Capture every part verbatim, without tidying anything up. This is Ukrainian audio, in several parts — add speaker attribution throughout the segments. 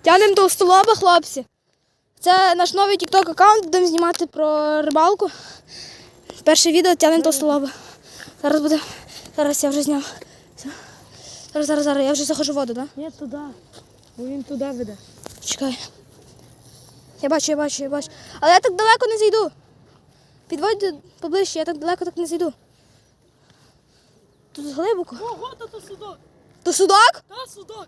Speaker 1: Тянемо товстолоба, хлопці. Це наш новий тік-ток аккаунт, будемо знімати про рибалку. Перше відео тянемо товстолоба. Зараз буде. Зараз я вже зняв. Все. Зараз, зараз, зараз. Я вже заходжу в воду, так?
Speaker 2: Ні, туди. Бо він туди веде.
Speaker 1: Чекай. Я бачу, я бачу, я бачу. Але я так далеко не зайду. Підводь поближче, я так далеко так не зайду. Тут глибоко.
Speaker 2: Ого, то то судак.
Speaker 1: То судак?
Speaker 2: Та судак.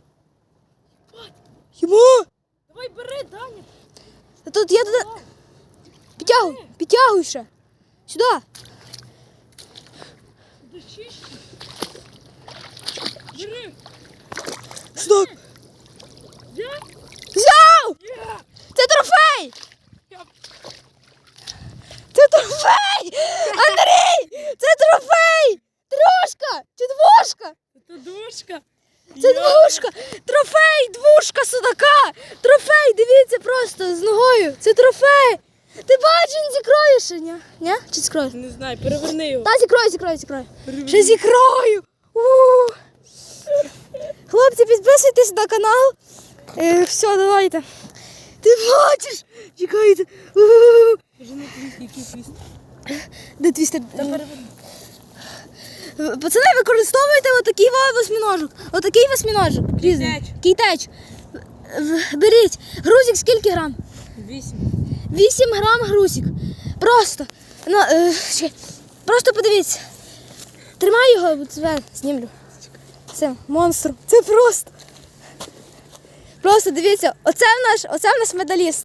Speaker 1: Йому!
Speaker 2: Давай бери, Даня.
Speaker 1: Та тут я туди. Підтягуй, підтягуй ще. Сюди.
Speaker 2: Туди чище. Бери.
Speaker 1: Судак.
Speaker 2: Є?
Speaker 1: Взяв!
Speaker 2: Є.
Speaker 1: Це трофей!
Speaker 2: Я-
Speaker 1: Це трофей! Андрій! Це трофей! Трошка! Чи двошка?
Speaker 2: Це душка.
Speaker 1: Це двушка! Трофей! Двушка судака! Трофей! Дивіться просто з ногою! Це трофей! Ти бачиш, він зікроє ще, ні? Ні? Чи зікроє?
Speaker 2: Не знаю, переверни його.
Speaker 1: Та зікрою, зікрою, зікрою.
Speaker 2: Переверни.
Speaker 1: Ще зікрою! У! Хлопці, підписуйтесь на канал. Е, все, давайте. Ти бачиш? Чекайте. У!
Speaker 2: Кажи на твій, який твіст.
Speaker 1: Де твістер?
Speaker 2: Та переверни.
Speaker 1: Пацани, використовуйте отакий во- восьминожок. Отакий восьминожок. Різний.
Speaker 2: Кейтеч.
Speaker 1: Кейтеч. В- Беріть. Грузик скільки грам?
Speaker 2: Вісім.
Speaker 1: вісім грам грузик. Просто. Ну, е, чекай. Просто подивіться. Тримай його, бо тебе знімлю. Це монстр. Це просто. Просто дивіться, оце в наш, оце в нас медаліст.